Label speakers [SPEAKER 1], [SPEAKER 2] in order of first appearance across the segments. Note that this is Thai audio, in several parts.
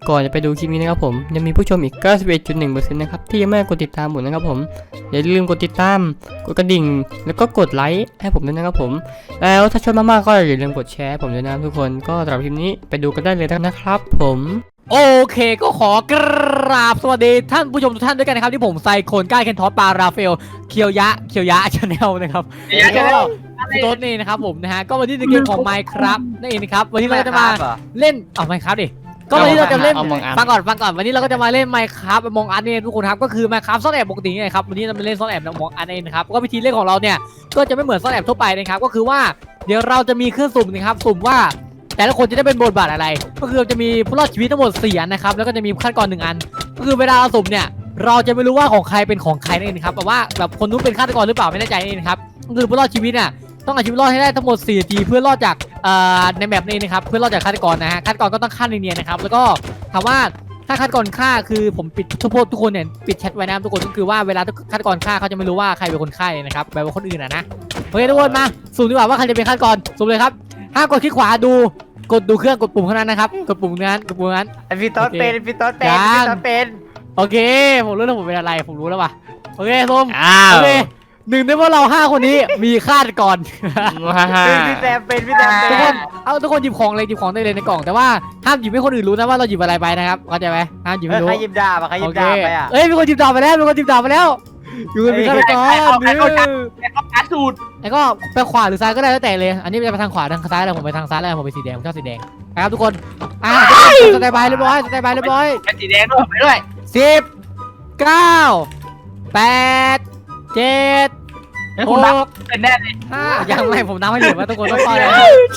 [SPEAKER 1] ก่อนจะไปดูคลิปนี้นะครับผมยังมีผู้ชมอีก 91.1% นะครับที่ยังไม่กดติดตามผมนะครับผมอย่าลืมกดติดตามกดกระดิ่งแล้วก็กดไลค์ให้ผมด้วยนะครับผมแล้วถ้าชอบมากๆก็อย่าลืมกดแชร์ผมด้วยนะทุกคนก็สำหรับคลิปนี้ไปดูกันได้เลยนะครับผมโอเคก็ขอกราบสวัสดีท่านผู้ชมทุกท่านด้วยกันนะครับที่ผมไซโคนก้าเคนทอสปาราเฟลเคียวยะชาแนลนะครับพี่โต๊ดนี่นะครับผมนะฮะก็วันนี้ในเกมของ Minecraft นั่นเองนะครับวันนี้เราจะมาเล่นMinecraft ดิก็วันนี้เราจะเล่นฟังก่อนวันนี้เราก็จะมาเล่น Minecraft Among Us เนี่ยทุกคนครับก็คือ Minecraft ซ่อนแอบปกติไงครับวันนี้เรามาเล่นซ่อนแอบ Among Us เองนะครับก็วิธีเล่นของเราเนี่ยก็จะไม่เหมือนซ่อนแอบทั่วไปนะครับก็คือว่าเดี๋ยวเราจะมีเครื่องสุ่มนะครับสุ่มว่าแต่ละคนจะได้เป็นบทบาทอะไรก็คือจะมีผู้รอดชีวิตทั้งหมด4อันนะครับแล้วก็จะมีขั้นตอน1อันก็คือเวลาเราสุ่มเนี่ยเราจะไม่รู้ว่าของใครเป็นของใครนั่นเองครับแบบว่าแบบคนนู้นเป็นฆาตกรหรือเปล่าไม่แน่ใจนี่นะครับก็คือผู้รอดชีวิตเนี่ยต้องเอาชีวิตรอดให้ได้ทั้งหมด4นาทีเพื่อรอดจากในแมปนี้นะครับเพื่อรอดจากฆาตกรนะฮะฆาตกรก็ต้องฆ่าเนียนๆนะครับแล้วก็ถามว่าถ้าฆาตกรฆ่าคือผมปิดทุกคนเนี่ยปิดแชทไว้นะทุกคนก็คือว่าเวลาฆาตกรฆ่าเขาจะไม่รู้ว่าใครเป็นคนฆ่านะครับแบบว่าคนอื่นนะโอเคทุกคนมาสุ่มดีกว่าว่าใครจะเป็นฆาตกรสุ่มเลยครับห้ามกดคลิกขวาดูเครื่องกดปุ่มเท่านั้นนะครับกดปุ่มนั้น
[SPEAKER 2] พี่ต้นเป็น
[SPEAKER 1] โอเคผมรู้แล้วผมเป็นอะไรผมรู้แล้วว่ะโอเคส้มโอเคหนึ่งในพวกเรา5คนนี้มีฆาตกร
[SPEAKER 2] พี่แซมเป็นทุ
[SPEAKER 1] กคนหยิบของได้เลยในกล่องแต่ว่าห้ามหยิบให้คนอื่นรู้นะว่าเราหยิบอะไรไปนะครับเข้าใจไหมห้ามหยิบไม่รู้
[SPEAKER 2] ใครหยิบดาบไปอ่ะ
[SPEAKER 1] เอ้ยมีคนหยิบดาบไปแล้วอยู่คนมีฆาตกร
[SPEAKER 3] การสูตร
[SPEAKER 1] แล้วก็ไปขวาหรือซ้ายก็ได้แล้วแต่เลยอันนี้จะไปทางขวาทางซ้ายอะไรผมไปทางซ้ายแล้วผมไปสีแดงผมชอบสีแดงนะครับทุกคนสแตนบายเรียบร้อย
[SPEAKER 3] เป็นสีแดงด้วยไปด้วย
[SPEAKER 1] 10 9 8 7
[SPEAKER 3] คุณนับเป็นแน่เลย
[SPEAKER 1] 5ยังไม่ผมนับให้อยู่ว่าทุกคนต้องฟังเลย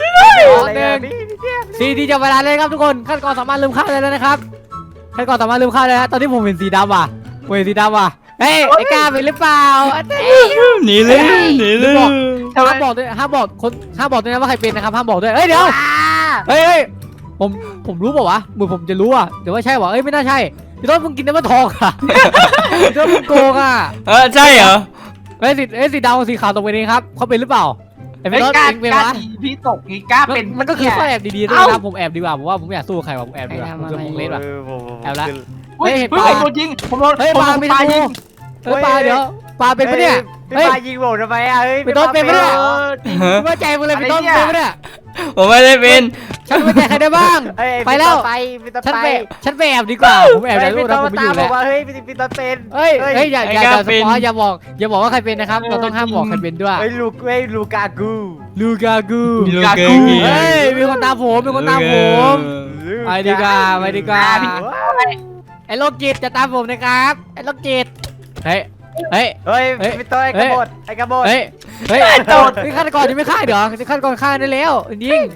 [SPEAKER 1] 4 ที่จะเวลาเลยครับทุกคนขั้นตอนสามารถลืมค่าเลยแล้วนะครับขั้นตอนสามารถลืมค่าเลยฮะตอนที่ผมเห็นสีดำว่ะเฮ้ยไอ้กล้าเป็นหรือเปล่า
[SPEAKER 4] หนีเลย
[SPEAKER 1] ห้ามบอกด้วยนะว่าใครเป็นนะครับห้ามบอกด้วยเฮ้ยเดี๋ยวเฮ้ยผมรู้เปล่าวะเหมือนผมจะรู้อ่ะแต่ว่าใช่วะเอ้ยไม่น่าใช่พี่ต้นมึงกินน้ำมันทองอ่ะพี่ต้นมึงโกงอ่ะ
[SPEAKER 4] ใช่เหรอ
[SPEAKER 1] เฮ้ยสีดำกับสีขาวตรงไปนี้ครับเขาเป็นหรือเปล่า
[SPEAKER 3] ไอ้พี่ต้นเป็นวะพี่ตกนี่กล้าเป็น
[SPEAKER 1] มันก็คือข้อแอบดีๆด้วยนะผมแอบดีกว่าผมว่าผมอยากสู้ใครวะผมแอบดีกว่าผมเล่นว่ะแอบละ
[SPEAKER 3] เฮ้ยปลาจริงผมโดน
[SPEAKER 1] ปลายิงปลาเดี๋ยวปลาเป็นปะเนี่ย
[SPEAKER 2] ปลายิงผมทำไมอ่ะเฮ้ย
[SPEAKER 1] พี่ต้นเป็นปะเนี่ยไม่ใจมึงเลยพี่ต้นเป็นปะเนี่ย
[SPEAKER 4] ผมไม่ได้เป็น
[SPEAKER 1] ฉันไม่ใจใครได้บ้างไปแล้วฉันไปแอบดีกว่าผมแอบแล้วนะผมไม่อยู่แล้ว
[SPEAKER 2] เฮ้ยพี่ต้นเป็น
[SPEAKER 1] เฮ้ยอย่าสปอยอย่าบอกว่าใครเป็นนะครับเราต้องห้ามบอกใครเป็นด้วย
[SPEAKER 2] เฮ้ยลูกากู
[SPEAKER 1] เฮ้ยมีคนตามผมไปดีกว่าไอ้โรคจิตจะตามผมนะครับไอ้โรคจิตเฮ้ย
[SPEAKER 2] พี่ต้นไอ้กระโดด
[SPEAKER 1] เฮ้ยนี่ฆาตกรยังไม่ฆ่าเดี๋ยวฆาตกรฆ่าได้แล้วยิง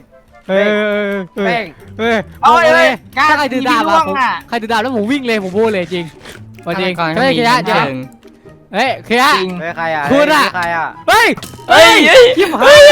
[SPEAKER 1] ถ้าใครถือดาบแล้วผมวิ่งเลยผมพูดเลยจริงจริงเฮ้ยเคียร์เฮ้ยใค
[SPEAKER 2] รอ่ะ
[SPEAKER 1] คุณอ่ะเฮ้ยชิบหาย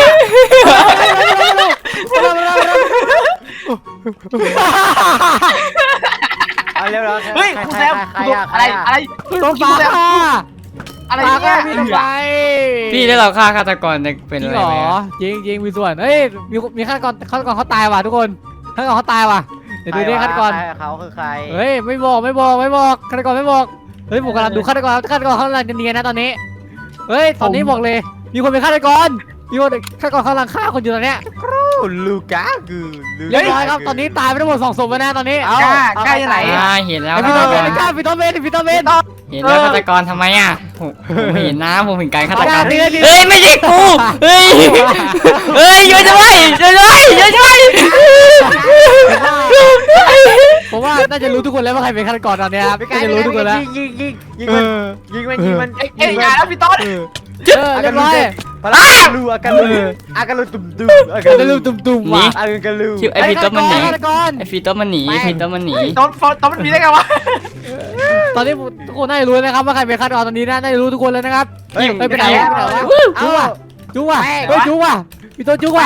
[SPEAKER 2] เร็ว
[SPEAKER 3] เฮ้ยคุณแซมอะไร
[SPEAKER 1] ต้องฟ้า
[SPEAKER 3] อะไรเนี่ย
[SPEAKER 4] พี่ได้เราฆ่าฆาตกรเป็นอะไรไหม
[SPEAKER 1] จริงมีส่วนเฮ้ยมีฆาตกรเขาตายว่ะทุกคนฆาตกรเขาตายว่ะเดี๋ยวดูดิฆาตกร
[SPEAKER 2] เขาคือใคร
[SPEAKER 1] เฮ้ยไม่บอกฆาตกรไม่บอกเฮ้ยผมกำลังดูฆาตกรเขากำลังจะเนียนนะตอนนี้เฮ้ยตอนนี้บอกเลยมีคนเป็นฆาตกรฆาตกรกำลังฆ่าคนอยู่ตอนเนี้ย
[SPEAKER 2] ลูกากู
[SPEAKER 1] เรียบร้อยครับตอนนี้ตายไปทั้งหมด2 ศพแล้วนะตอนนี้
[SPEAKER 3] กล้ายังไง
[SPEAKER 4] เห็นแล้ว
[SPEAKER 1] พี่ต้นเบนเ
[SPEAKER 4] เห็นแล้วฆาตกรทำไมอ่ะผมเห็นนะผมเห็นการฆาตกร
[SPEAKER 1] เฮ้
[SPEAKER 4] ยไม่ใช่กูเฮ้ยช่วยด้วย
[SPEAKER 1] ผมว่าน่าจะรู้ทุกคนแล้วว่าใครเป็นฆาตกรตอนนี้ครับน่าจะรู้ทุกคนแล้ว
[SPEAKER 2] ยิงมัน
[SPEAKER 3] แล้วพี่ต้น
[SPEAKER 1] เรียบร้อย
[SPEAKER 2] อาการลูตุ่ม
[SPEAKER 1] ว่ะ
[SPEAKER 4] ไอพีโต้มันหนีต้นมันหนี
[SPEAKER 3] ต้นมันมีได้ไงวะ
[SPEAKER 1] ตอนนี้ทุกคนน่าจะรู้นะครับว่าใครเป็นฆาตกรตอนนี้น่าจะรู้ทุกคนแล้วนะครับไปไหนวะจู้ว่ะพี่โตจู้ว่ะ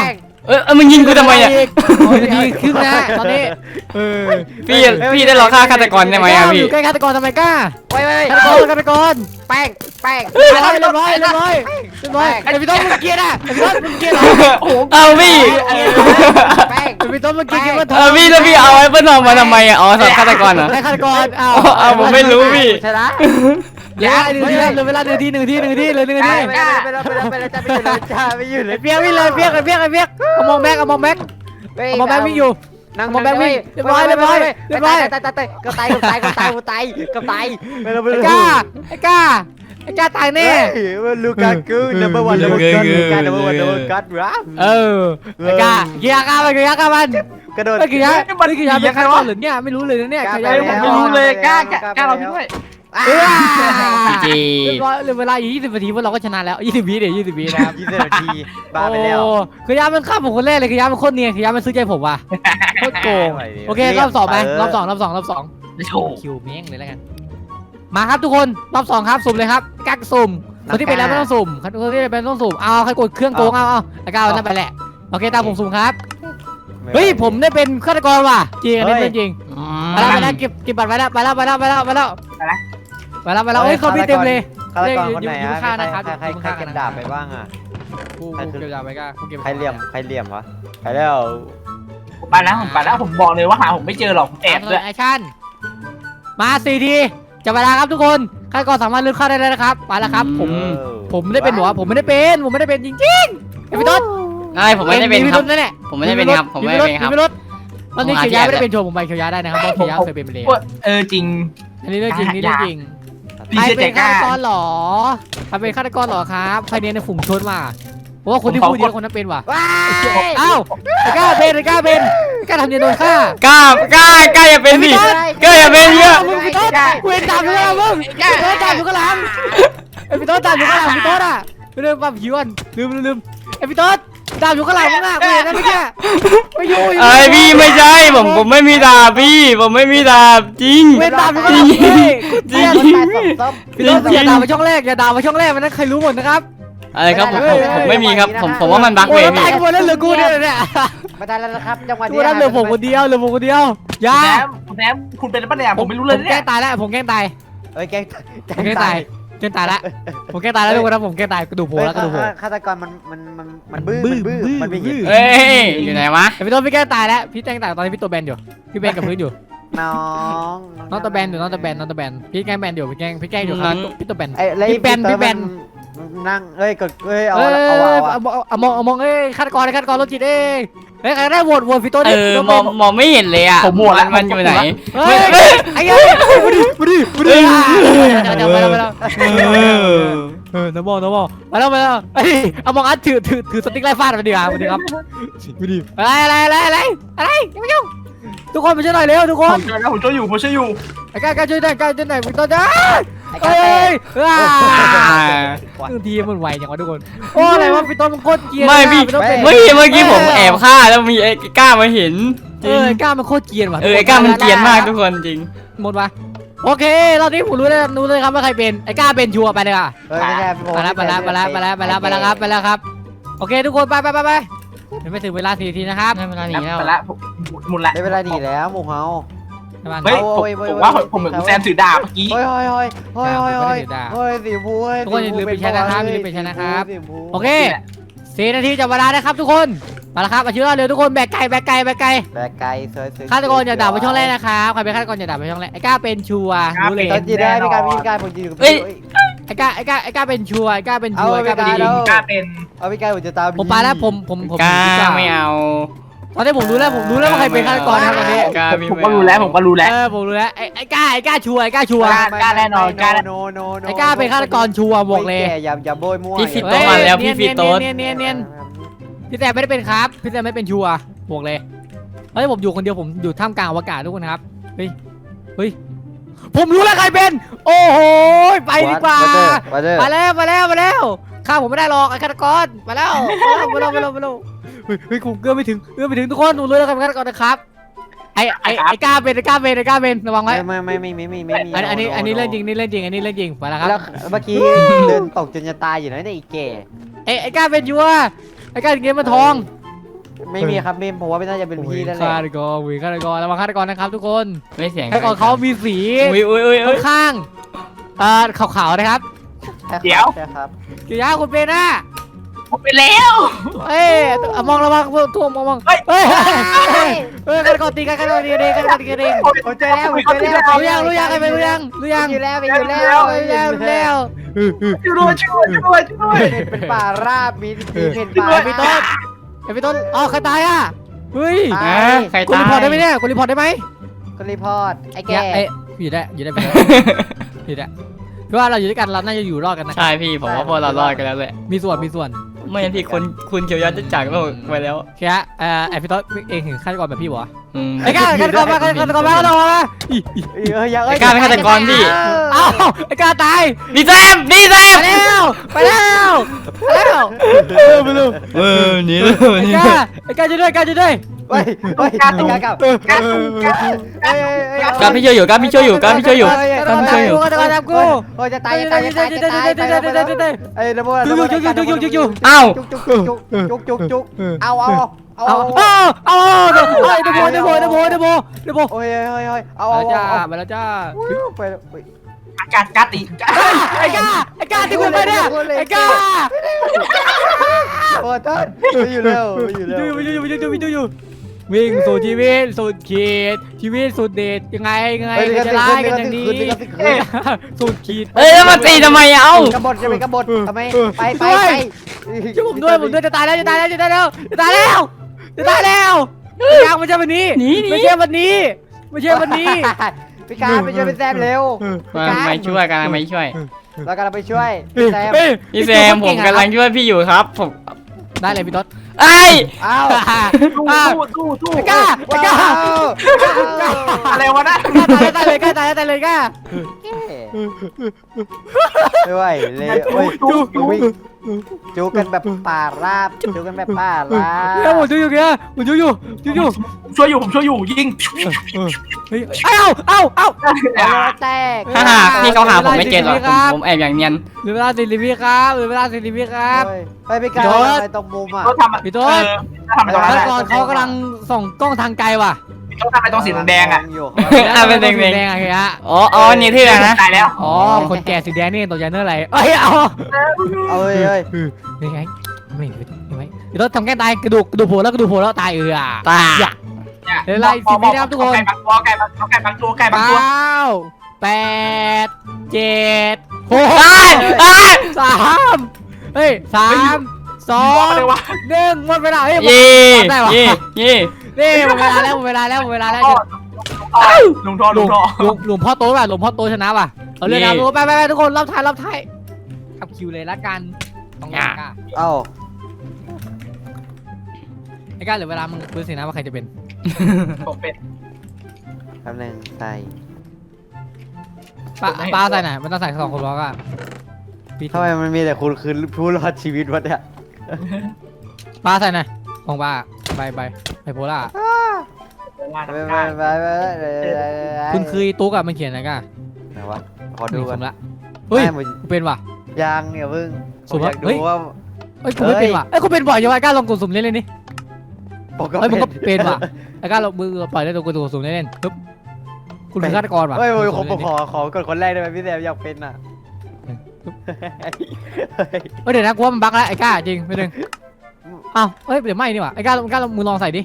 [SPEAKER 4] มึงยิงกูทำไมอ่ะ
[SPEAKER 5] นาทีครึ่งนะตอนนี้
[SPEAKER 4] พี่ได้รอฆ่าฆาตกรได้ไหมอ่ะ
[SPEAKER 5] อ
[SPEAKER 4] พี่
[SPEAKER 5] ยู่ใกล้ฆาตกรทำไมกล้า
[SPEAKER 2] ไว้
[SPEAKER 5] ฆาตกร
[SPEAKER 2] แป้ง
[SPEAKER 5] เรียบร้อยไอ้พี่ต้นมึงเกลียดอ่ะไอ้พี่ต้นมึงเกลียดอ่ะ
[SPEAKER 4] เอาพี่
[SPEAKER 2] แป้ง
[SPEAKER 5] ไอ้พี่ต้นมึงเกลียดมันท
[SPEAKER 4] พี่แล้วพี่เอาไอ้เปิ้ลทองมาทำไมอ่ะอ๋อสำหรับฆาตกรเหรอ
[SPEAKER 5] ไอ้ฆาตกร
[SPEAKER 4] ผมไม่รู้พี่
[SPEAKER 2] ชนะ
[SPEAKER 5] อย่าเหลือเวลาหนึ่งทีเลย1 นาที
[SPEAKER 2] ไปแล้วจ้าไม่อยู่เลย
[SPEAKER 5] เปียกวิ่งเลยเปียกเอามองแบ็กวิ่งอยู่
[SPEAKER 2] นั่ง
[SPEAKER 5] มองแบ็กวิ่งเรียบร้อย
[SPEAKER 2] ตายก็ตายไปแล้ว
[SPEAKER 5] ไอ้กล้าตายแน่
[SPEAKER 2] ลูกากูนัมเบอร์วันลูกานัมเบอร์วันรัม
[SPEAKER 5] ไอ้กล้าเกียร์กล้ามัน
[SPEAKER 2] กระโดด
[SPEAKER 5] ไอ้เกียร์เป็นฆาตกรหรือเนี่ยไม่รู้เลยนะเนี่ย
[SPEAKER 3] ผมไม่รู้เลยกล้เราพี่ด้วย
[SPEAKER 4] จี
[SPEAKER 5] เรียบร้อยเวลาอยู่20 นาทีพวกเราก็ชนะแล้ว20 วิ20 วินะครับ
[SPEAKER 2] 20 นาทีบ้าไปแล้ว
[SPEAKER 5] คือยามันฆ่าผมคนแรกเลยคือยามันโคตรเนียนคือยามันซื้อใจผมว่ะโคตรโกงโอเครอบ2ไหมรอบ2
[SPEAKER 3] โชว์
[SPEAKER 5] คิวเม้งเลยแล้วกันมาครับทุกคนรอบ2ครับสุ่มเลยครับกักสุ่มคนที่เป็นแล้วไม่ต้องสุ่มคนที่เป็นต้องสุ่มเอาใครกดเครื่องโกงเอาแล้วก็เอานั่นไปแหละโอเคตามผมสุ่มครับเฮ้ยผมได้เป็นฆาตกรว่ะจริงอันนี้จริงไปแล้วเก็บบัตรไปแล้วเฮ้ยเขาพี่เต็มเลย
[SPEAKER 2] ฆาตกรคนไหนใครเก็บดาบไปบ้างอ่ะ
[SPEAKER 5] กูเก็บดาบไปก็กูเก็บ
[SPEAKER 2] ใครเหลี่ยมวะไปแล้ว
[SPEAKER 3] ผมไปแล้วผมบอกเลยว่าหาผมไม่เจอหรอกผมแอบด้วย
[SPEAKER 5] แอคชั่นมา4 ทีจับเวลาครับทุกคนฆาตกรสามารถเลือกฆ่าได้เลยนะครับไปแล้วครับผมไม่ได้เป็นหรอผมไม่ได้เป็นจริงๆไอ้พี่ต้น
[SPEAKER 4] ผมไม่ได้เป็นครับ
[SPEAKER 5] นั่นแหละ
[SPEAKER 4] ผมไม่ได้เป็นครับผมไม่ได้เป็นครับ
[SPEAKER 5] ตอนนี้เขียวยาไม่ได้เป็นโชว์ผมไปเขียวยาได้นะครับเพราะเขียวยาเคยเป็นไปแล้ว
[SPEAKER 3] จริง
[SPEAKER 5] อันนี้เรื่องจริงนี่เรื่องจริง
[SPEAKER 3] พี่
[SPEAKER 5] ใคร
[SPEAKER 3] เชื่อใจ
[SPEAKER 5] เป็น
[SPEAKER 3] ก
[SPEAKER 5] ฆา
[SPEAKER 3] ล้า
[SPEAKER 5] ตกรหรอใครเป็นฆาตกรหรอครับใครเนี่ยในฝูงชนมาเพราะว่าคนที่พูดเยอะคนนั้นเป็นว่ะ
[SPEAKER 2] ว้า
[SPEAKER 5] อ้าวกล้าทำเนียนโดนฆ่าก
[SPEAKER 4] ล้อย่าเป็นดิกล้าอย่าเป็นเยอะ
[SPEAKER 5] มึงพี่ต้นกูเห็นตามอยู่ข้างหลังมึงพี่ต้นตามอยู่ข้างหลังไอ้พี่ต้นตามอยู่ข้างหลังพี่ต้นอ่ะเรื่องความผิวลืมไอ้พี่ต้นตามอยู่ข้างหลังมึงอ่ะกูเห็นนะเมื่อกี้ไม่อยู่
[SPEAKER 4] พี่ไม่ใช่ผมไม่มีดาบพี่ผมไม่มีดาบจริง
[SPEAKER 5] เว้นตามอยู่ข้างหลังพี่
[SPEAKER 4] จริง
[SPEAKER 5] พี่ต้นอย่าด่ามาช่องแรกมันนั้นใครรู้หมดนะครับ
[SPEAKER 4] อะไรครับผมไม่มีครับผมว่ามันบั๊ก
[SPEAKER 5] โอ้
[SPEAKER 4] เลย ย
[SPEAKER 5] ตาย
[SPEAKER 4] พี่
[SPEAKER 5] กันหมดแล้วเหลือกูเนี่ย
[SPEAKER 2] มาได้แล้วนะครับจังหวะ
[SPEAKER 5] กู
[SPEAKER 2] นี้
[SPEAKER 5] นั่นเหลือผมคนเดียวอยา
[SPEAKER 3] แซมคุณเป็นปะเนี่ยผมไม่รู้เลย
[SPEAKER 5] ผม
[SPEAKER 3] เนี่
[SPEAKER 5] แกล้
[SPEAKER 3] ย
[SPEAKER 5] งตายแล้วผมแกล้งตาย
[SPEAKER 2] เอ้ยแก
[SPEAKER 5] ผมแกล้งตายผมแกล้งตายแล้วทุกคนนะผมแกล้งตายกระดูกโผล่แล้วกระดูกโผล่
[SPEAKER 2] ฆาตกรมันบื้อมันไม่เห็น
[SPEAKER 4] เอ้ยอยู่ไหนวะ
[SPEAKER 5] พี่ต้นพี่แกล้งตายแล้วพี่แกล้งตายตอนนี้พี่ตัวแบนอยู่พี่แบนกับพื้นอยู่
[SPEAKER 2] น้อง
[SPEAKER 5] น้องตัวแบนพี่แกล้งแบนอยู่พี่แกล้งอยู่ครับพี่ตัวแบน
[SPEAKER 2] ไอ้พี่แบนนั่งกดเอา
[SPEAKER 5] มองฆาตกรรถจิตใครได้โหวตพี่ต้น
[SPEAKER 4] มองไม่เห็นเลยอ่ะมันอยู่ไหน
[SPEAKER 5] เฮ้ยไอ้เงี้ยมาดิไปแล้วน้ำมองมาแล้วเอามองอัดถือสติ๊กไล่ฟาดมาดีครับมาดีครับอะไรไม่ยุ่งทุกคนมาช่วยหน่อยเร็วทุกคน
[SPEAKER 3] ผมช่วยอยู่
[SPEAKER 5] ไอ้กล้าช่วยหน่อยพี่ต้นจ้าเฮ้ยทีมันไวจังวะทุกคนโอ้อะไรวะพี่ต้นมันโคตรเกียร์
[SPEAKER 4] ไม่พี่เมื่อกี้ผมแอบฆ่าแล้วมีไอ้กล้ามาเห็น
[SPEAKER 5] กล้ามันโคตรเกียร์ว่ะ
[SPEAKER 4] ไอ้กล้ามันเกรียนมากทุกคนจริง
[SPEAKER 5] หมดวะโอเครอบนี้ผมรู้เลยครับว่าใครเป็นไอ้กล้าเป็นชัวร์ไปเลยอ่ะไปแล้วครับโอเคทุกคนไปไม่ถึงเวลา4 นาทีนะครับ
[SPEAKER 4] ได้เวลาหนีแล้ว
[SPEAKER 3] ไปละหมดละ
[SPEAKER 2] ได้เวลาหนีแล้วหมูเฮา
[SPEAKER 3] เฮ้ยผมว่าผมเหมือนแซมถือดาบเมื่อกี้
[SPEAKER 2] เฮ้ยสีพูทุกคนอย่าลืมไปใช้นะครับ
[SPEAKER 5] โอเค4 นาทีจับเวลานะครับทุกคนมาแล้วครับมาชื่อเร็วทุกคนแบกไก่
[SPEAKER 2] แบกไก่
[SPEAKER 5] ฆาตกรอย่าด่าไปช่องแรกนะครับใครเป็นฆาตกรอย่าด่าไปช่องแรกไอ้กล้าเป็นชัวร์รู้เลย
[SPEAKER 2] ตอนจีได้มีการผมยืน
[SPEAKER 5] ไอ้กล้าเป็นชัวร์กล้าเป็นชัวร์กล้าเป็น
[SPEAKER 3] กล้าเป็น
[SPEAKER 2] เอาพี่กายผมจะตาม
[SPEAKER 5] ผมไปแล้วผม
[SPEAKER 4] กล้าไม่เอา
[SPEAKER 5] ตอนนี้ผมรู้แล้วว่าใครเป็นฆาตกรนะครับตอนนี้
[SPEAKER 3] ผมก็รู้แล้วผมรู้แล้ว
[SPEAKER 5] ผมรู้แล้วไอ้กล้าชัวร์
[SPEAKER 3] กล้าแน่นอนกล้า
[SPEAKER 5] ไอ้กล้าเป็นฆาตกรชัวร์บอกเลย
[SPEAKER 2] อย่าโบยมั่ว
[SPEAKER 4] พี่ฟิตโตมาแล้วพี่ฟิตโต
[SPEAKER 5] เนียนพี่แต่ไม่ได้เป็นครับพี่แต่ไม่เป็นชัวร์บอกเลยเฮ้ยผมอยู่คนเดียวผมอยู่ท่ามกลางอวกาศทุกคนครับเฮ้ยผมรู้แล้วใครเป็นโอ้โหไปดีกว่ามาแล้วข้าผมไม่ได้หรอกไอ้ฆาตกรมาแล้วเฮ้ยกูเอื้อมไม่ถึงทุกคนผมรู้แล้วใครเป็นฆาตกรนะครับไอ้กล้าเป็นระวังไว้
[SPEAKER 2] ไม่
[SPEAKER 5] อันนี้เรื่องจริงไปแล้วครับ
[SPEAKER 2] แล้วเมื่อกี้เดินตกจนจะตายอยู่นะเนี่ยอีแก่
[SPEAKER 5] ไอ้กล้าเป็นยัวไอ้กล้าเงี้ยมาทอง
[SPEAKER 2] ไม่มีครับไม่ผมว่าไม่น่าจะเป็นพี่นั่นแหละ
[SPEAKER 5] ฆาตกรฆาตกรระวังฆาตกรนะครับทุกคน
[SPEAKER 1] ไม่เสียง
[SPEAKER 5] ฆาตกรเขามีสี
[SPEAKER 1] อุ้ย
[SPEAKER 5] ค่อนข้างขาวๆนะครับ
[SPEAKER 3] เดี๋ยว
[SPEAKER 2] ใช่ครับ
[SPEAKER 5] เกียร์คุณเป็นนะ
[SPEAKER 3] ผมไปแล้ว
[SPEAKER 5] เอ้ยมองระวังทั่วมองเฮ้ยฆาตกรตีกันฆาตกรตีกันเองฆาตกรตีกันเอง
[SPEAKER 2] ผมเจอแล้วผมเจอแล้ว
[SPEAKER 5] รู้ยังใครเป็นรู้ยัง
[SPEAKER 2] อยู่แล้วอยู่แล้ว
[SPEAKER 3] ช่วยด้วยช่วยด้วย
[SPEAKER 2] เป็นป่าราบมีเป็นป่า
[SPEAKER 5] พี่ต้นพี่ต้นอ๋อใครตายอ่ะเฮ้ย
[SPEAKER 1] ใคร
[SPEAKER 5] คุณ
[SPEAKER 1] ตา
[SPEAKER 5] รีพอร์ตได้
[SPEAKER 1] ย
[SPEAKER 5] ไหมเนี่ยคุณรีพอร์ตได้ไหม
[SPEAKER 2] ก็รีพอร์ตไอ้แก
[SPEAKER 5] เอ้ยอยู่ได้อยู่ได้ไปเพราะว่าเราอยู่ด้วยกันเราน่าจะอยู่รอดกันนะ
[SPEAKER 1] ใช่พี่ผมว่าพวกเรารอดกันแล้วแหละ
[SPEAKER 5] มีส่วน
[SPEAKER 1] ไม่งั้นพี่คุณเขียวยอดจะจากโลกไปแล้ว
[SPEAKER 5] แค่ไอพี่ต้นเองถึงฆาตกรแบบพี่บ่
[SPEAKER 1] ไอ้
[SPEAKER 5] ไอ้ฆาตกรมาฆาตกรมาฆาตกรมา
[SPEAKER 1] ไอ้กล้าเป็นฆาตกรพี่
[SPEAKER 5] เอ้าไอ้กล้าตาย
[SPEAKER 1] ดีแซม
[SPEAKER 5] ไปแล้วไปแล้ว
[SPEAKER 1] หนี
[SPEAKER 5] ไอ้กล้าช่วยด้วยกล้าช่วยด้วย
[SPEAKER 2] เฮ้ยไอ้กากลับ
[SPEAKER 1] กล้าพี่ช่วยอยู่กล้าพี่ช่วยอยู่
[SPEAKER 5] ฆาตกรตามกู
[SPEAKER 2] โอ้ยจะตายไอ้ระเบิด
[SPEAKER 5] อยู่
[SPEAKER 1] อ้าว
[SPEAKER 2] จุกเอา
[SPEAKER 5] ไอ้เดโบ
[SPEAKER 2] โอ้ยเอา
[SPEAKER 5] มาแล้วจ้า
[SPEAKER 2] ไป
[SPEAKER 3] กาติ
[SPEAKER 5] ไอ้กล้าที่คุณไปเนี่ยไอ้กล้า
[SPEAKER 2] โอ้ต้นไม่อยู่แล้ว
[SPEAKER 5] อยู่วิ่งสู่ชีวิตสุดขีดชีวิตสุดเดชยังไงจะร้ายกันอย่างนี้สุดขีด
[SPEAKER 1] เอ้ยแล้วมาตีทำไมเอ้าก
[SPEAKER 2] บฏจะเป็นกบฏทำไมไป
[SPEAKER 5] ช่วยผมด้วยจะตายแล้วยังไม่ใช่วันนี้ไม่ใช่วันนี้
[SPEAKER 2] พี่การไปช่วยพี่แซมเร็ว
[SPEAKER 1] ไม่ช่วยกันไม่ช่วย
[SPEAKER 2] เรากำลังไปช่วยพี่แซม
[SPEAKER 1] พี่แซมผมกำลังช่วยพี่อยู่ครับผม
[SPEAKER 5] ได้เลยพี่ต๊ด
[SPEAKER 1] ไอ้
[SPEAKER 2] อ้าว
[SPEAKER 3] ตู้
[SPEAKER 5] ไอ้ก้า
[SPEAKER 3] อะไรวะนะ
[SPEAKER 5] ตายเลยก้า
[SPEAKER 2] ไม่ไหวเลยจูกันแบบป่าราบจูกันแบบป่าราบ
[SPEAKER 5] เนี่ยผมอยู่เนี่ยผมอยู่
[SPEAKER 3] ช่วยอยู่ยิง
[SPEAKER 5] เอา
[SPEAKER 2] แตก
[SPEAKER 1] พี่เขาหาผมไม่เจอหรอกผมแอบอย่างเนียน
[SPEAKER 5] เหลือเวลา40 วิครับ
[SPEAKER 2] ไปพี่การไปตรงมุมอ่ะ
[SPEAKER 3] เขาทำ
[SPEAKER 5] พี่ต๊ด
[SPEAKER 3] ทำไปตรง
[SPEAKER 5] ฆา
[SPEAKER 3] นั้น
[SPEAKER 5] ตกรเขากำลังส่องกล้องทางไกลว่ะ
[SPEAKER 3] เขาทำไปตรงสีแดงอ่ะ
[SPEAKER 1] เป็นแดง
[SPEAKER 5] แดงอะไรฮะ
[SPEAKER 1] อ๋อนี่ที่ไหนนะ
[SPEAKER 3] ตายแล้ว
[SPEAKER 5] อ๋อคนแก่สีแดงนี่ตกใจเนื้ออะไรเอา
[SPEAKER 2] เอาเลย
[SPEAKER 5] นี่ไงไม่พี่ต๊ดทำแก้ตายกระดูกโผล่แล้วตาย
[SPEAKER 1] ตา
[SPEAKER 5] เดี๋ยวไล่10 วินะครับทุกคน
[SPEAKER 3] ไก่บางตัวไก่บางตัว
[SPEAKER 5] 9 8 7 6 3 3 2 1หมดเวลา
[SPEAKER 1] ยี่
[SPEAKER 5] นี่หมดเวลาแล้ว
[SPEAKER 3] ลุงทอ
[SPEAKER 5] หลวงพ่อโตว่ะหลวงพ่อโตชนะว่ะเอาเรื่องนะไปทุกคนรอบท้ายขับคิวเลยละกันต้องยาก
[SPEAKER 2] เอ้า
[SPEAKER 5] ไอ้ก้าเหลือเวลามึงดูสินะว่าใครจะเป็น
[SPEAKER 3] ผมเป็น
[SPEAKER 2] คำนึงใส่
[SPEAKER 5] ป้าใส่ไหนมันต้องใส่2 คนบล็อกอ่ะ
[SPEAKER 2] ทำไมมันมีแต่คุณคือผู้รอดชีวิตวะเนี่ย
[SPEAKER 5] ป้าใส่ไหนของป้าใบโพล่าคุณคือตุ๊กอะมันเขียนอะไรกัน
[SPEAKER 2] ไหนวะขอดูกัน
[SPEAKER 5] ละเฮ้ยเป็นว่ะ
[SPEAKER 2] ยังเนี่ยเพิ่งผมอยากดูว่า
[SPEAKER 5] เอ้ยกูไม่เป็นว่ะเอ้ยกูเป็นบ่อยยังไงก้าลองกดสุ่มเล่นนี่เฮ้ยมึงก็เป็นว่ะไอ้ก้าลองมือปล่อยได้ตัวกดสุ่มเล่นปึ๊บคุณคือฆาตกรว่ะ
[SPEAKER 2] เฮ้ยผมขอกดคนแรกได้ไหมพี่แซมอยากเป็นอ่ะ
[SPEAKER 5] เดี๋ยวนะกูว่ามันบั๊กแล้วไอ้ก้าจริงไปหนึ่งอ้าวเฮ้ยเดี๋ยวไม่นี่ว่ะไอ้ก้ามึงลองใส่ดิ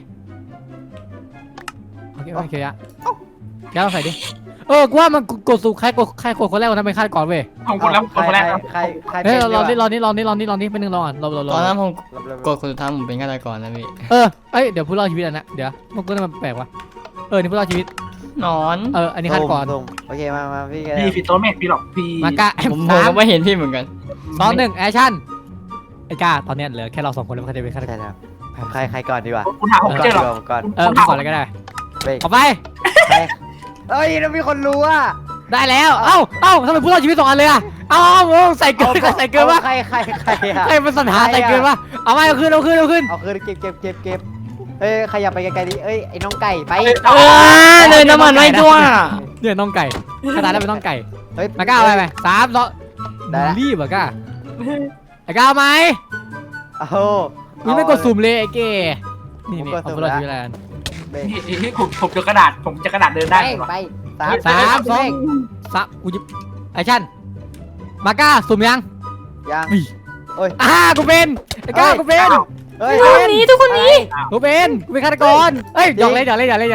[SPEAKER 5] โอเคอะแกลองใส่ดิกูว่ามันกดสุ่มใครกดคนแรกคนนั้นเป็นฆาตกรเว้ย
[SPEAKER 3] ผมคนแรก
[SPEAKER 2] ใคร
[SPEAKER 5] เฮ้ยรอนี่เป็นหนึ่งรอก่อนรอ
[SPEAKER 1] ตอนนั้นผมกดคนสุดท้ายผมเป็นฆาตกรนะพี่
[SPEAKER 5] เดี๋ยวผู้รอดชีวิตอันนะเดี๋ยวมันก็มันแปลกว่ะนี่ผู้รอดชีวิต
[SPEAKER 1] นอน
[SPEAKER 5] อันนี้ฆาตกร
[SPEAKER 2] โอเคมาพี่แก
[SPEAKER 3] พี่ตัวเมฆพี่หรอกพี่
[SPEAKER 5] มากะ
[SPEAKER 1] ผมก็ไม่เห็นพี่เหมือนกัน
[SPEAKER 5] 2 1แอคชั่นไอ้ก้าตอนนี้เหลือแค่เรา2 คนแล้วมันจะเป็นฆาตกร
[SPEAKER 2] ใช่แล้วใครก่อนดีกว่า
[SPEAKER 3] คุณหาผมเจอหรอ
[SPEAKER 2] ก่อน
[SPEAKER 5] ก่อนอะไรก็ได้
[SPEAKER 2] เบรก
[SPEAKER 5] เอาไป
[SPEAKER 2] เอ้ยแล้วมีคนรู้อ่ะ
[SPEAKER 5] ได้แล้วเอ้าทำไมผู้รอดชีวิต2 อันเลยอะใส่เกินวะ
[SPEAKER 2] ใครอ่ะ
[SPEAKER 5] ใครมันสัญหาใส่เกินวะเอาไปเอาขึ้น
[SPEAKER 2] เอาคืนเก็บเอ้ยขยับไปไกลๆดิเอ้ยไอ้น้องไก่ไป
[SPEAKER 1] เลยน้ำมันไม่ทั่ว
[SPEAKER 5] เนี่ยน้องไก่ขนาดนั้นเป็นน้องไก่
[SPEAKER 2] เฮ้ย
[SPEAKER 5] มาก้าไป3 2รีบอะก้าไอ้ก้าไหม
[SPEAKER 2] เอา
[SPEAKER 5] มึงไม่กดสุ่มเลยไอ้เก๋นี่เอาพวกเราทีละอัน
[SPEAKER 6] เบรก
[SPEAKER 3] นี่ผมจะกระดาษผมจะกระดาษเดินได้
[SPEAKER 6] เบรก
[SPEAKER 3] เหรอ
[SPEAKER 6] ไป
[SPEAKER 5] สามสองกูยิบแอคชั่นมาก้าสุ่มยัง
[SPEAKER 6] ยัง
[SPEAKER 5] กูเป็นไอ้ก้ากูเป็น
[SPEAKER 6] เฮ้ย
[SPEAKER 1] ทุกคนนี้ทุกคนนี้
[SPEAKER 5] กูเป็นฆาตกรเอ้ยอย่าเล่น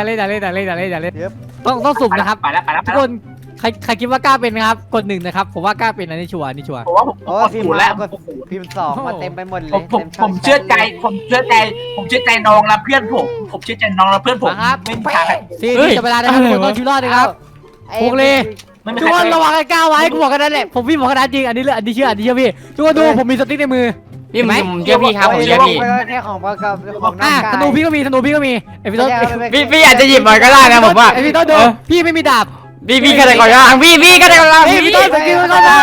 [SPEAKER 5] ต้องสุ่มนะครับ
[SPEAKER 3] ไปแล้ว
[SPEAKER 5] ทุกคนใครคิดว่ากล้าเป็นนะครับกด1นะครับผมว่ากล้าเป็นอันนี้ชัวร์อันนี้ชัวร์
[SPEAKER 3] ผมว่าผม
[SPEAKER 6] โอ้
[SPEAKER 3] กด
[SPEAKER 6] พิม
[SPEAKER 3] ศู
[SPEAKER 6] พ์
[SPEAKER 3] นย์
[SPEAKER 6] แล้
[SPEAKER 3] แล้ว ว
[SPEAKER 6] ก็พิมพ์2มาเต็มไปหมดเลย
[SPEAKER 3] ผมเชื่อใจผมเชื่อใจน้องและเพื่อนผมเชื่อใจน้องและเพื่อนผมไม่มีทาง
[SPEAKER 5] 4 จะเวลานะครับทุกคนต้องชีวิตรอดนะครับ พวกเลย
[SPEAKER 3] ไม่มี
[SPEAKER 5] ทุก
[SPEAKER 3] ใค
[SPEAKER 5] ค
[SPEAKER 3] ร
[SPEAKER 5] นระวังไอ้ก้าวไว้กูบอกกันนั่นแหละผมพี่บอกกันนั่นจริงอันนี้เชื่อพี่ทุกคนดูผมมีสติ๊กในมือ
[SPEAKER 1] พี่ผมเชื่อพี่ครับผมเชื่อพี่
[SPEAKER 6] แค่ของประกอบของน้องกาย
[SPEAKER 5] ธนูพี่ก็มีไอพี่ต้น
[SPEAKER 1] พี่อาจจะหยิบมันก็ได้นะผมว่า
[SPEAKER 5] ไอพี่ต้นดูพี่ไม่มีดาบ
[SPEAKER 1] พี่ฆาตกรล่างพี่ฆาตกรล่าง
[SPEAKER 5] พี่ต้นสกิลก่อนมา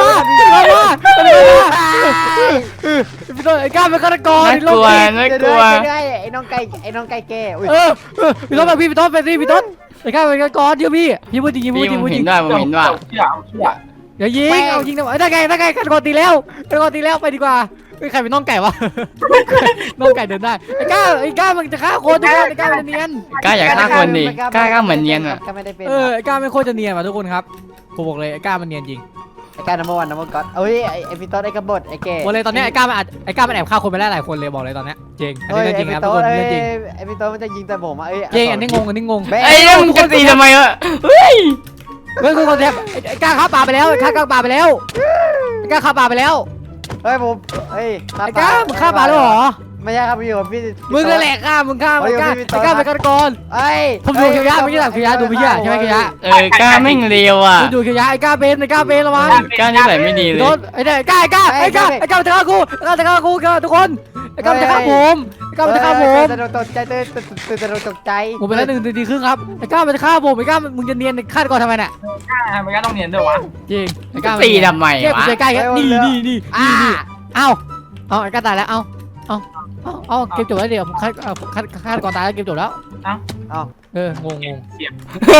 [SPEAKER 5] พี่ต้นไอ้ก้าวเป็นฆาตกร
[SPEAKER 1] น่ากลัวน่ากลัว
[SPEAKER 6] ไอ้น้องไก่แก่อุ้ย
[SPEAKER 5] พี่ต้นแบบพี่ต้นไปสิพี่ต้นไอ้ก้าวเป็นฆาตกรเชื่อพี่พูดจริง
[SPEAKER 1] พี่ผมเห็นด้วยผมเห็นว่า
[SPEAKER 3] เชื่อ
[SPEAKER 5] เดี๋ยวยิงเอายิงนะได้ไงฆาตกรตีแล้วไปดีกว่าใครเป็นน้องไก่วะน้องไก่เดินได้ไอ้ก้าวมันจะฆ่าคนทุกคนไอ้ก้าวมันเนียน
[SPEAKER 1] กล้าอยากฆ่าคนดิกล้าเหมือนเนียนอ่ะ
[SPEAKER 6] ก็ไม่ได้เป็น
[SPEAKER 5] ไอ้ก้าวไม่โคตรจะเนียนว่ะทุกคนครับผมบอกเลยไอ้ก้าวมันเนียนจริง
[SPEAKER 6] ไอ้การนัมเบอร์วันนัมเบอร์ก็อดเอ้ยไอ้พี่ต้นไอ้กบฏไอ้แก่
[SPEAKER 5] บอกเลยตอนนี้ไอ้ก้าวมันแอบฆ่าคนไปแล้วหลายคนเลยบอกเลยตอนนี้จริงอัน
[SPEAKER 6] เฮ้ย
[SPEAKER 5] นี้
[SPEAKER 6] ไอ้
[SPEAKER 5] จริง
[SPEAKER 6] พี่
[SPEAKER 5] ครับทุก
[SPEAKER 6] ต้
[SPEAKER 5] คน น
[SPEAKER 6] ไอ้
[SPEAKER 5] เรื่องจริง
[SPEAKER 6] ไอ้พี่ต้นมันจะยิงแต่ผมอ่ะเอ้ย
[SPEAKER 5] จริงอันนี้งง
[SPEAKER 1] ไอ้เรื่องมึงจะตีทำไมวะเฮ้ย
[SPEAKER 5] เฮ้ยคนแทบไอ้ก้าวฆ่าปลาไปแล้วไอ้ก้าวฆ่าปลาไปแล้วไอ้ก้าวฆ่าปลาไปแล้ว
[SPEAKER 6] เฮ้ยผมเฮ้ย
[SPEAKER 5] ไอ้ก้าวมึงฆ่าปลาแล้วเหรอ
[SPEAKER 6] ไม่ใช่ครับพี่ผมพี่
[SPEAKER 5] มึงนั่นแหละฆ่ามึงฆ่าไอ้ก้าวเป็นฆาตกร
[SPEAKER 6] เอ้ย
[SPEAKER 5] ผมดูเคียวยะไม่ใช่หรอกเคียวยะดูไม่เชื่อใช่ไหมเคียวยะ
[SPEAKER 1] กล้าแม่งเร็วอ่ะ
[SPEAKER 5] ดูเคียวยะไอ้ก้าวเป็นระวัง
[SPEAKER 1] กล้านี่ใส่ไม่ดีเล
[SPEAKER 5] โด
[SPEAKER 1] ย
[SPEAKER 5] นไอ้เนี่ยก้าวจะฆ่ากูทุกคนไอ้ก้าวจะฆ่าผมไอ้ก้าวจะฆ่าผม
[SPEAKER 6] ตกใจตกใจ
[SPEAKER 5] ผมเป็นแล้ว1 นาทีครึ่งครับไอ้ก้าวมันจะฆ่าผมไอ้ก้าวมึงจะเนียนฆาตกรทำไมเนี่ย
[SPEAKER 3] มันก็ต้องเนียนด้วยวะ
[SPEAKER 5] จริงไอ้ก้าว
[SPEAKER 1] ตีทำไม
[SPEAKER 5] เก็บ
[SPEAKER 1] วะ
[SPEAKER 5] ใจใกล้กันนี่
[SPEAKER 6] อ่า
[SPEAKER 5] เอาไอ้ก้าวตายแล้วเอาเกมจบแล้วเดี๋ยวฆาตกรตายแล้วเกมจบแล้ว
[SPEAKER 6] เอา
[SPEAKER 5] งง
[SPEAKER 3] เสียบ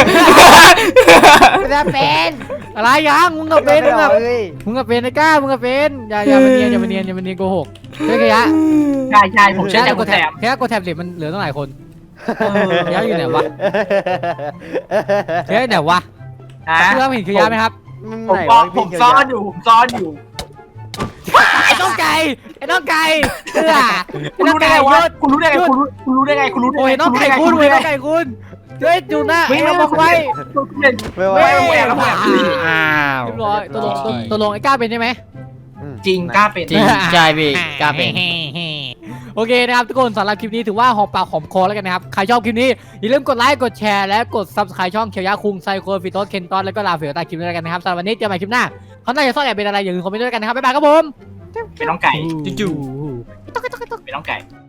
[SPEAKER 6] จะเป็น
[SPEAKER 5] อะไรยังมึงกับเป็น
[SPEAKER 6] เฮ้ย
[SPEAKER 5] มึงกับเป็นไอ้ก้าวมึงกับเป็นอย่ามาเนียนโกหกเฮ้ยเคียวยะ
[SPEAKER 3] ใช่ผมเชื่อใจ
[SPEAKER 5] ก
[SPEAKER 3] คุ
[SPEAKER 5] ด
[SPEAKER 3] ณ
[SPEAKER 5] แท็
[SPEAKER 3] แถ
[SPEAKER 5] บ
[SPEAKER 3] ม
[SPEAKER 5] แค่กดแท็บเหล็กมันเหลือตั้งหลายคนเคียวยะอยู่ไหนวะเคียวยะไหนวะ
[SPEAKER 3] นะ
[SPEAKER 5] เพื่อนเห็นเคียวยะไหมครับ
[SPEAKER 3] ผมซ่อนอยู่
[SPEAKER 5] ไอ้น้องไก่ไอ้น้องไก่ไอ้
[SPEAKER 3] คุณ
[SPEAKER 5] น้อง
[SPEAKER 3] รู้ได้
[SPEAKER 5] ไก่
[SPEAKER 3] ไง
[SPEAKER 5] ย
[SPEAKER 3] วะ
[SPEAKER 5] ศ
[SPEAKER 3] คุณรู้ได้ไงคุณรู้ได้ไง
[SPEAKER 5] โอ้ยน้องไก่คุณเว้ยน้องไก่คุณเฮ้ยจูน่าไอ้น้องบอกไว้
[SPEAKER 6] ไม่ไหว
[SPEAKER 1] อ้าว
[SPEAKER 5] เรียบร้อยตกลงไอ้ก้าเป็นใช่ไหม
[SPEAKER 3] จริงกล้าเป็น
[SPEAKER 1] จริงใช่พี่กล้าเป็น
[SPEAKER 5] โอเคนะครับทุกคนสำหรับคลิปนี้ถือว่าหอมปากหอมคอแล้วกันนะครับใครชอบคลิปนี้อย่าลืมกดไลค์กดแชร์และกด Subscribe ช่องเขียวยะคุงไซโคฟิโตสเคนตอนแล้วก็ลาเฟียวใต้คลิปนี้แล้วกันนะครับสำหรับวันนี้เจอกันใหม่คลิปหน้าเขาน่าจะซ่อนแอบเป็นอะไรอย่าลืมคอมเมนต์ด้วยกันนะครับบ๊ายบายครับผม
[SPEAKER 3] เป็นน้องไก่
[SPEAKER 1] จู่
[SPEAKER 3] เป็นน้องไก่